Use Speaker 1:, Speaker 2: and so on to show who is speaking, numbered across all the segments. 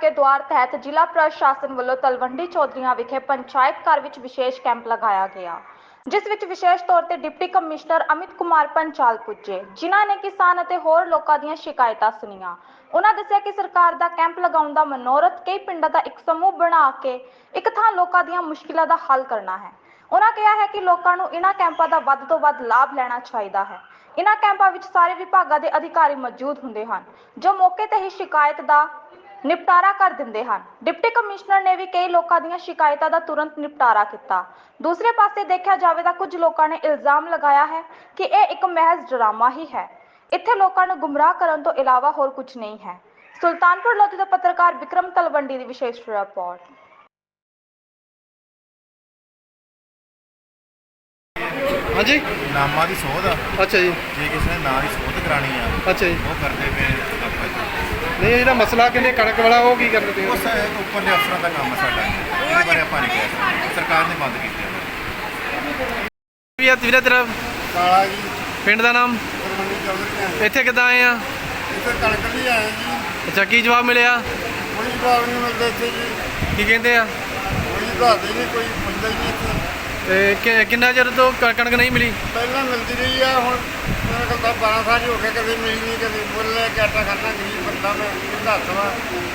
Speaker 1: के द्वार तहत जिला प्रशासन वालों तलवंडी चौधरीਆਂ विखे पंचायत घर विच विशेष कैंप लगाया गया, जिस विच विशेष तौर ते डिप्टी कमिश्नर अमित कुमार पंचाल पुजे, जिन्हां ने किसान अते होर लोकां दीयां शिकायतां सुणीਆਂ। उन्हां दस्सिया कि सरकार दा कैंप लगाउण दा मनोरथ कई पिंडां दा एक समूह बना के एक थां लोकां दीयां मुश्किलां दा हल करना है। उन्हां कहा है कि लोकां नूं इन्हां कैंपां दा वध तों वध लाभ लैना चाहीदा है। इन्हां कैंपां विच सारे विभागां दे अधिकारी मौजूद हुंदे हन, जो मौके ते ही शिकायत दा निपटारा कर दिंदे हन। डिप्टी कमिश्नर ने भी कई लोकां दीयां शिकायतां दा तुरंत निपटारा किया। दूसरे पासे देखा जाए तो कुछ लोगों ने इल्जाम लगाया है कि यह एक महज ड्रामा ही है, इत्थे लोगों को गुमराह करने तो इलावा होर कुछ नहीं है। सुल्तानपुर लोधी का पत्रकार विक्रम तलवंडी की विशेष रिपोर्ट।
Speaker 2: हाँ जी,
Speaker 3: नामां दी सोध आ।
Speaker 2: अच्छा जी,
Speaker 3: जे किसी ने नां दी सोध करानी आ,
Speaker 2: अच्छा जी।
Speaker 3: वो करते पे आपा जी।
Speaker 2: नहीं जो मसला कहते कणक वाला वो की करते पे
Speaker 3: उस उपर दे अफसरां दा काम है साडा, इहदे बारे आपां नहीं कह सकते। सरकार ने बंद कीते
Speaker 2: ਵੀਰੇ ਤੇਰਾ
Speaker 4: ਕਾਲਾ ਜੀ
Speaker 2: ਪਿੰਡ ਦਾ ਨਾਮ
Speaker 4: ਤਲਵੰਡੀ ਚੌਧਰੀ ਆ।
Speaker 2: ਇੱਥੇ ਕਿੱਦਾਂ ਆਏ ਆ?
Speaker 4: ਇੱਥੇ ਕਣਕ ਲਈ ਆਏ ਜੀ,
Speaker 2: ਅੱਛਾ, ਕੀ ਜਵਾਬ ਮਿਲਿਆ?
Speaker 4: ਕੋਈ ਜਵਾਬ ਨਹੀਂ ਮਿਲਦਾ ਇੱਥੇ ਜੀ,
Speaker 2: ਕੀ ਕਹਿੰਦੇ ਆ?
Speaker 4: ਕੋਈ ਦੱਸਦੇ ਨਹੀਂ, ਕੋਈ ਪੁੱਛਦਾ ਹੀ ਨਹੀਂ ਇੱਥੇ।
Speaker 2: ਤੇ ਕਿੰਨਾ ਚਿਰ ਤੋਂ ਕਣਕ ਨਹੀਂ ਮਿਲੀ?
Speaker 4: ਪਹਿਲਾਂ ਮਿਲਦੀ ਰਹੀ ਆ, ਹੁਣ ਮੇਰੇ ਕੋਲ ਤਾਂ 12 ਸਾਲ ਹੀ ਹੋ ਗਏ, ਕਦੇ ਮਿਲੀ ਨਹੀਂ, ਕਦੇ ਮੁੱਲ ਲੈ ਕੇ ਆਟਾ ਖਾਣਾ, ਗਰੀਬ ਬੰਦਾ ਮੈਂ ਦੱਸ ਵਾ।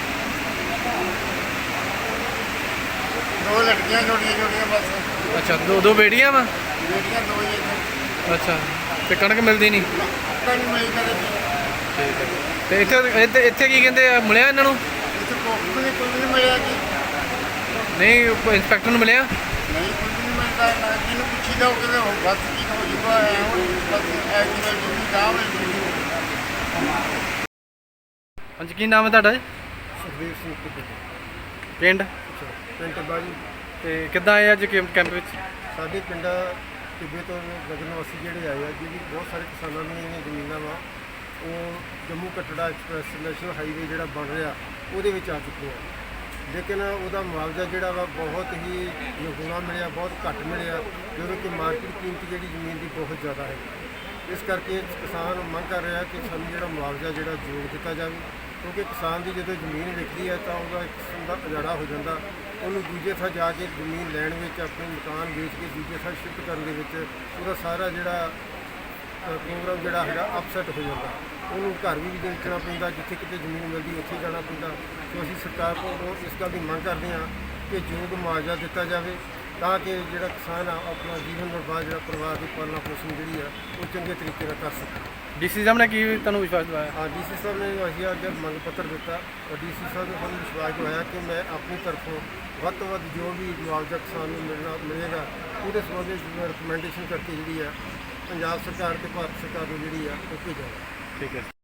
Speaker 4: ਦੋ ਲੜਕੀਆਂ ਛੋਟੀਆਂ ਬਸ।
Speaker 2: ਅੱਛਾ, ਦੋ ਬੇੜੀਆਂ ਵਾ?
Speaker 4: ਬੇਟੀਆਂ ਦੋ ਹੀ ਇੱਥੇ।
Speaker 2: ਅੱਛਾ, ਤੇ ਕਣਕ ਮਿਲਦੀ ਨਹੀਂ?
Speaker 4: ਕਣਕ ਮਿਲੀ ਕਦੇ ਵੀ।
Speaker 2: ਠੀਕ ਹੈ। ਤੇ ਇੱਥੇ ਕੀ ਕਹਿੰਦੇ ਆ, ਮਿਲਿਆ ਇਹਨਾਂ ਨੂੰ?
Speaker 4: ਇੱਥੇ ਕੋਈ ਨਹੀਂ ਮਿਲਿਆ ਜੀ।
Speaker 2: ਨਹੀਂ, ਇੰਸਪੈਕਟਰ ਨੂੰ ਮਿਲਿਆ?
Speaker 4: ਨਹੀਂ, ਕੁਝ ਨਹੀਂ ਮਿਲਦਾ। ਨਾ ਜਿਹਨੂੰ ਪੁੱਛੀ ਜਾਓ ਕਿਤੇ ਹੋ ਬਸ ਕੀ ਹੋ ਜੂਗਾ, ਹੁਣ ਬਸ ਐ ਜਿਵੇਂ ਜਿੰਨੀ ਗਾਹ ਮਿਲ ਜੂਗੀ।
Speaker 2: ਹਾਂਜੀ, ਕੀ ਨਾਮ ਹੈ ਤੁਹਾਡਾ ਜੀ?
Speaker 4: ਸੁਖਵੀਰ ਸਿੰਘ
Speaker 2: ਪਿੰਡ?
Speaker 4: ਪਿੰਡ ਬਾਜੀ।
Speaker 2: ਤੇ ਕਿੱਦਾਂ ਆਏ ਅੱਜ ਕੈਂਪ ਵਿੱਚ?
Speaker 4: ਸਾਡੇ ਪਿੰਡ ਟਿੱਬੇ ਤੋਂ ਨਗਰ ਨਿਵਾਸੀ ਜਿਹੜੇ ਆਏ ਆ, ਜਿਹੜੀ ਬਹੁਤ ਸਾਰੇ ਕਿਸਾਨਾਂ ਦੀਆਂ ਜਿਹੜੀਆਂ ਜ਼ਮੀਨਾਂ ਵਾ ਉਹ Jammu Katra express national highway ਜਿਹੜਾ ਬਣ ਰਿਹਾ ਉਹਦੇ ਵਿੱਚ ਆ ਚੁੱਕੇ ਆ, ਲੇਕਿਨ ਉਹਦਾ ਮੁਆਵਜ਼ਾ ਜਿਹੜਾ ਵਾ ਬਹੁਤ ਹੀ ਨਿਗੂਣਾ ਮਿਲਿਆ, ਬਹੁਤ ਘੱਟ ਮਿਲਿਆ, ਜਦੋਂ ਕਿ ਮਾਰਕੀਟ ਕੀਮਤ ਜਿਹੜੀ ਜ਼ਮੀਨ ਦੀ ਬਹੁਤ ਜ਼ਿਆਦਾ ਹੈ। ਇਸ ਕਰਕੇ ਕਿਸਾਨ ਮੰਗ ਕਰ ਰਿਹਾ ਕਿ ਸਾਨੂੰ ਜਿਹੜਾ ਮੁਆਵਜ਼ਾ ਜਿਹੜਾ ਯੋਗ ਦਿੱਤਾ ਜਾਵੇ, ਕਿਉਂਕਿ ਕਿਸਾਨ ਦੀ ਜਦੋਂ ਜ਼ਮੀਨ ਵਿਕਦੀ ਹੈ ਤਾਂ ਉਹਦਾ ਇੱਕ ਕਿਸਮ ਦਾ ਉਜਾੜਾ ਹੋ ਜਾਂਦਾ, ਉਹਨੂੰ ਦੂਜੇ ਥਾਂ ਜਾ ਕੇ ਜ਼ਮੀਨ ਲੈਣ ਵਿੱਚ, ਆਪਣੇ ਮਕਾਨ ਵੇਚ ਕੇ ਦੂਜੇ ਥਾਂ ਸ਼ਿਫਟ ਕਰਨ ਦੇ ਵਿੱਚ ਉਹਦਾ ਸਾਰਾ ਜਿਹੜਾ ਪ੍ਰੋਗਰਾਮ ਜਿਹੜਾ ਹੈਗਾ ਅਪਸੈਟ ਹੋ ਜਾਂਦਾ, ਉਹਨੂੰ ਘਰ ਵੀ ਵੇਚਣਾ ਪੈਂਦਾ, ਜਿੱਥੇ ਕਿਤੇ ਜ਼ਮੀਨ ਮਿਲਦੀ ਉੱਥੇ ਜਾਣਾ ਪੈਂਦਾ। ਸੋ ਅਸੀਂ ਸਰਕਾਰ ਕੋਲੋਂ ਇਸ ਗੱਲ ਦੀ ਮੰਗ ਕਰਦੇ ਹਾਂ ਕਿ ਯੋਗ ਮੁਆਵਜ਼ਾ ਦਿੱਤਾ ਜਾਵੇ, ਤਾਂ ਕਿ ਜਿਹੜਾ ਕਿਸਾਨ ਆ ਆਪਣਾ ਜੀਵਨ ਨਿਰਵਾਹ ਜਿਹੜਾ ਪਰਿਵਾਰ ਦੀ ਪਾਲਣਾ ਪੋਸ਼ਣ ਜਿਹੜੀ ਆ ਉਹ ਚੰਗੇ ਤਰੀਕੇ ਨਾਲ ਕਰ ਸਕੇ।
Speaker 2: ਡੀਸੀ ਸਾਹਿਬ ਨੇ ਕੀ ਤੁਹਾਨੂੰ ਵਿਸ਼ਵਾਸ ਦਿਵਾਇਆ?
Speaker 4: ਹਾਂ, ਡੀਸੀ ਸਾਹਿਬ ਨੇ ਅਸੀਂ ਅੱਜ ਮੰਗ ਪੱਤਰ ਦਿੱਤਾ ਔਰ ਡੀਸੀ ਸਾਹਿਬ ਨੇ ਸਾਨੂੰ ਵਿਸ਼ਵਾਸ ਦਿਵਾਇਆ ਕਿ ਮੈਂ ਆਪਣੀ ਤਰਫੋਂ ਵੱਧ ਤੋਂ ਵੱਧ ਜੋ ਵੀ ਮੁਆਵਜ਼ਾ ਕਿਸਾਨ ਨੂੰ ਮਿਲੇਗਾ ਉਹਦੇ ਸੰਬੰਧ ਵਿੱਚ ਰਿਕਮੈਂਡੇਸ਼ਨ ਕਰਕੇ ਜਿਹੜੀ ਆ ਪੰਜਾਬ ਸਰਕਾਰ ਤੇ ਭਾਰਤ ਸਰਕਾਰ ਨੂੰ ਜਿਹੜੀ ਆ ਉਹ ਭੇਜਾਂਗੇ।
Speaker 2: ਠੀਕ ਹੈ।